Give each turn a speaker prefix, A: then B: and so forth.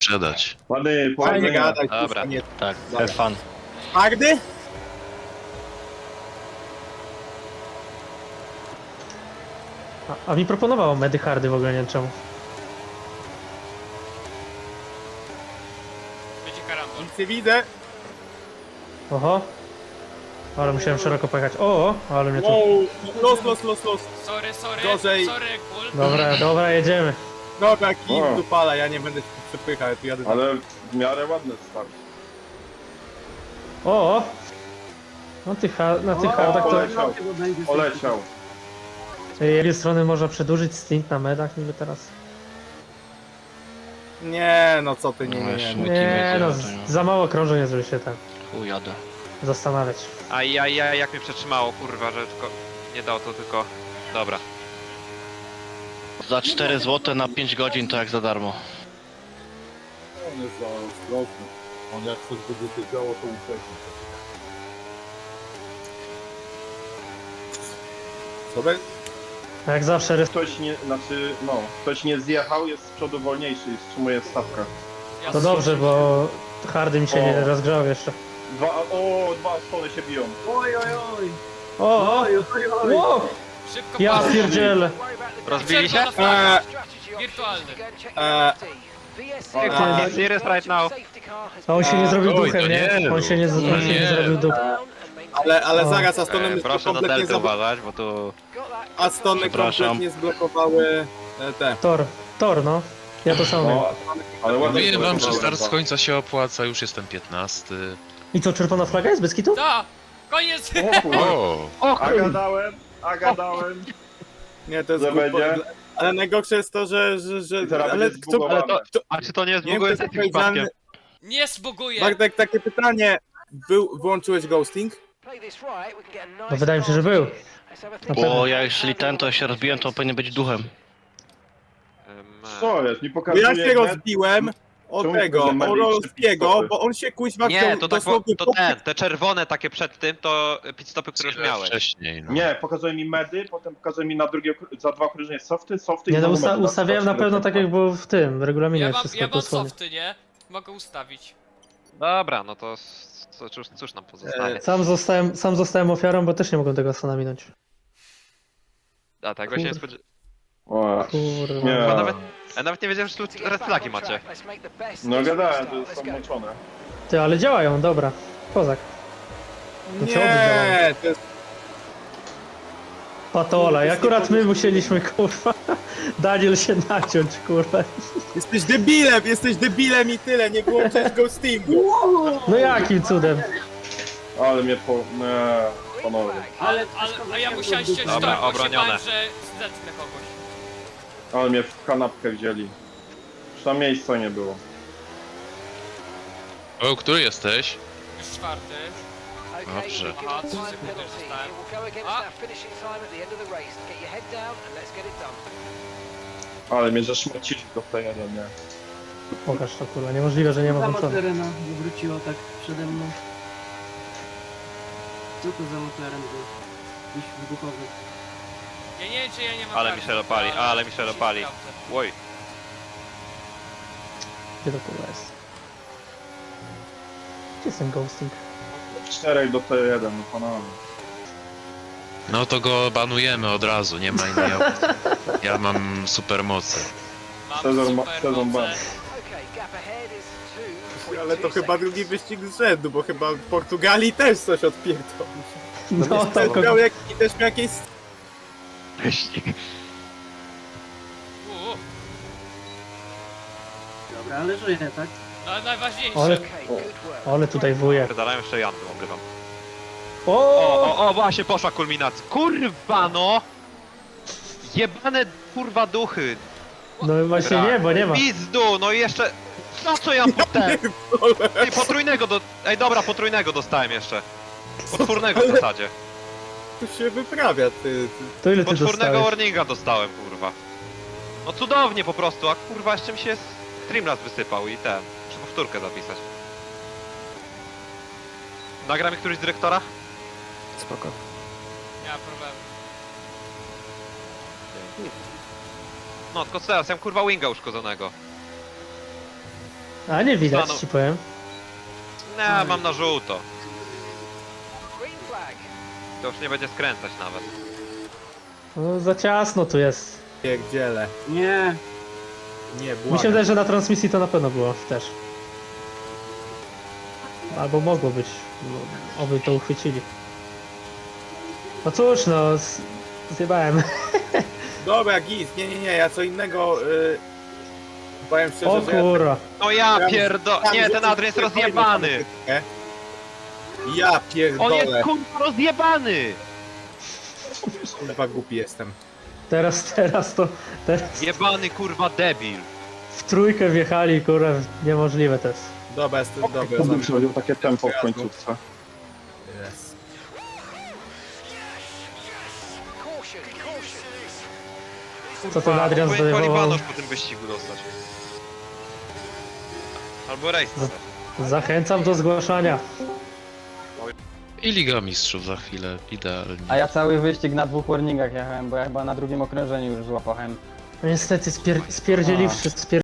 A: sprzedać.
B: Ładny,
C: Fajnie
B: powodzenia.
C: gadaj,
D: Dobra,
C: kurwa, nie.
D: tak,
C: Dobra.
D: have fun.
C: Hardy?
E: A mi proponowało Medyhardy w ogóle, nie wiem czemu.
F: Będzie karambol.
C: Nic nie widzę.
E: Oho. Ale musiałem szeroko pojechać. O, ale mnie tu...
C: Wow, los.
F: Sorry,
C: Gorzej.
F: sorry, Bull.
E: Dobra, jedziemy.
C: Dobra, kij
B: O.
C: dupala, ja nie będę się przepychał, tu jadę.
B: Ale w miarę ładny start.
E: O! Na tych hardach to...
B: Poleciał, poleciał.
E: Z jednej strony można przedłużyć stint na medach niby teraz.
C: Nie, no co ty, nie.
E: Nie no, za mało krążeń jest, żeby się tam
D: Chuj, jadę.
E: zastanawiać.
G: A jak mnie przetrzymało, kurwa, że tylko... Nie dało to tylko... Dobra.
D: Za 4 zł na 5 godzin to jak za darmo.
H: On jest za ostrożny. On jak coś będzie się działo, to ucieknie.
C: Sobie?
E: A jak zawsze
B: Ktoś nie, znaczy, no, ktoś nie zjechał, jest z przodu wolniejszy i wstrzymuje stawkę.
F: Ja
E: to dobrze, bo hardy mi się nie
B: O.
E: rozgrzał jeszcze.
B: Dwa stony się biją.
E: O! Wow!
F: Szybko
E: Ja
F: poszło.
E: pierdzielę.
G: Rozbili się?
F: Czerwona flaga. Wirtualny.
G: Serious right now.
E: A on się nie zrobił
A: Oj,
E: duchem,
A: to
E: nie?
A: nie,
E: On się nie
A: nie.
E: zrobił duchem.
C: Ale
E: O.
C: zaraz, Astony mi
G: Proszę na
C: kompletnie
G: deltę uważać, bo tu...
C: Astony
D: Przepraszam.
C: kompletnie zblokowały te.
E: Tor, no. Ja to samo.
B: No, ale ładnie
A: Mówiłem wam, że
B: poleciał.
A: start z końca się opłaca, już jestem 15.
E: I co, czerwona flaga jest bez kitu?
F: Da! Koniec!
B: O kurwa,
A: O!
B: a gadałem.
C: Nie, to jest
B: Że
C: głupot.
B: będzie?
C: Ale najgorsze jest to, że
B: I teraz
C: ale
B: będzie
C: kto...
B: zbugowane.
G: A czy to nie jest w
C: Nie wiem,
G: ogóle
C: kto jest
G: takim przypadkiem?
C: odpowiedzialny.
F: Nie zbuguję!
C: Bartek, takie pytanie. Wyłączyłeś ghosting?
E: No wydaje mi się, że był. Na pewno.
D: Bo ja jeśli ten to się rozbiłem, to powinien być duchem.
B: Co jest? Mi
C: Bo
B: pokazuje...
C: ja się rozbiłem o
B: Czemu
C: tego,
B: pokazuje
C: o
B: Meli
C: Rolskiego,
B: pit-stopy?
C: bo on się kuźwa
G: Nie,
C: wziął
G: to tak,
C: dosłownie
G: to
C: po-
G: te czerwone takie przed tym, to pitstopy, które już miałeś.
A: Wcześniej, no.
B: Nie, pokazuje mi medy, potem pokazuje mi na drugie, za dwa okrążenia softy
E: Nie
B: i
E: no,
B: znowu medy.
E: ustawiałem na pewno tak jak było w tym, w regulaminie
F: Ja mam
E: wszystko dosłownie.
F: softy, nie? Mogę ustawić.
G: Dobra, no to cóż nam pozostanie.
E: Sam zostałem ofiarą, bo też nie mogłem tego Astana minąć.
G: A tego się nie spodziewałem.
B: O,
E: Kurwa.
B: nie.
G: Bo nawet nie wiedziałem, że tu red flagi macie.
B: No gadałem, że są moczone.
E: Ty, ale działają, dobra. Kozak. To co
C: Nie, to jest...
E: Patola. I akurat my musieliśmy, kurwa, Daniel się naciąć, kurwa.
C: Jesteś debilem i tyle, nie włączysz ghostingu.
E: No jakim cudem?
B: Ale mnie po... Nie, panowie.
F: A ja musiałem ściąć
G: Dobra,
F: tor, bo się
G: obronione.
F: bałem, że zetnę kogoś.
B: Ale mnie w kanapkę wzięli. Już tam miejsca nie było.
A: O, który jesteś?
F: Już czwarty.
A: Dobrze.
F: Aha, 3 sekundy już zostałem.
B: Ale mnie zaszmacili do P1, nie?
E: Pokaż to, kurwa. Niemożliwe, że nie ma
I: Za
E: włączone.
I: McLarena wywróciło tak przede mną. Co to za McLaren był? Jakiś wybuchowy.
F: Ja nie wiem, czy ja nie mam
G: Ale
F: karty,
G: mi się dopali, ale mi się dopali.
F: sprawdzę.
G: Oj,
E: Gdzie to kurwa jest? Gdzie jest ten ghosting?
B: 4 do T1, no panowie.
A: No to go banujemy od razu, nie ma innej opcji. Ja mam super mocy.
F: Mam
B: Sezon
F: super moce.
B: ban.
C: Ale to chyba drugi wyścig z rzędu, bo chyba w Portugalii też coś odpierdol.
E: No,
C: Też
E: to
C: miał jakieś...
G: wyścig.
F: Uuu,
I: Dobra, ale żyje, tak?
F: no najważniejsze.
E: ale tutaj wuje.
G: Pierdalają jeszcze Janty, obrywam.
E: O!
G: O, właśnie poszła kulminacja. Kurwa no! Jebane kurwa duchy.
E: No właśnie nie, bo nie ma.
G: Pizdu, no i jeszcze... No co ja potem? Ej, potrójnego Ej dobra, potrójnego dostałem jeszcze. Potwórnego w zasadzie.
C: Tu się wyprawia, ty.
E: To ile ty
G: Potwórnego
E: dostałeś?
G: warninga dostałem, kurwa. No cudownie po prostu, a kurwa jeszcze mi się Streamlabs wysypał i ten. Muszę powtórkę zapisać. Nagra mi któryś z dyrektora?
E: Spoko.
F: Nie ma problemu.
G: No tylko teraz, ja mam kurwa winga uszkodzonego.
E: A nie widać,
G: Stanął.
E: ci powiem.
G: Nie, mam na żółto. To już nie będzie skręcać nawet.
E: No, za ciasno tu jest.
C: Pierdziele.
I: Nie,
C: Nie,
E: Mi się
C: błagam.
E: wydaje, że na transmisji to na pewno było też. Albo mogło być. No, oby to uchwycili. No cóż, no, zjebałem.
C: Dobra, git, nie, ja co innego... powiem szczerze,
E: O
C: że ja
E: kurwa.
G: No ja
C: Ja-
G: pierdo...
C: tam
G: Nie, ten
C: rzucę
G: Adrian jest
C: sobie
G: rozjebany!
C: fajną Ja
G: On
C: pierdolę.
G: jest kurwa rozjebany!
C: Kurwa głupi jestem.
E: Teraz
G: Jebany kurwa debil.
E: w trójkę wjechali, kurwa, niemożliwe to jest.
C: Dobra, jestem dobry.
B: To by przychodził takie tempo w końcówce.
C: Jest.
E: Co ten Adrian
G: Powinien
E: zdejmował?
G: Polibanosz po tym wyścigu dostać. Albo rejs.
E: Zachęcam do zgłaszania.
A: I Liga Mistrzów za chwilę, idealnie.
J: A ja cały wyścig na 2 warningach jechałem, bo ja chyba na drugim okrążeniu już złapałem.
E: No niestety spierdzieliwszy,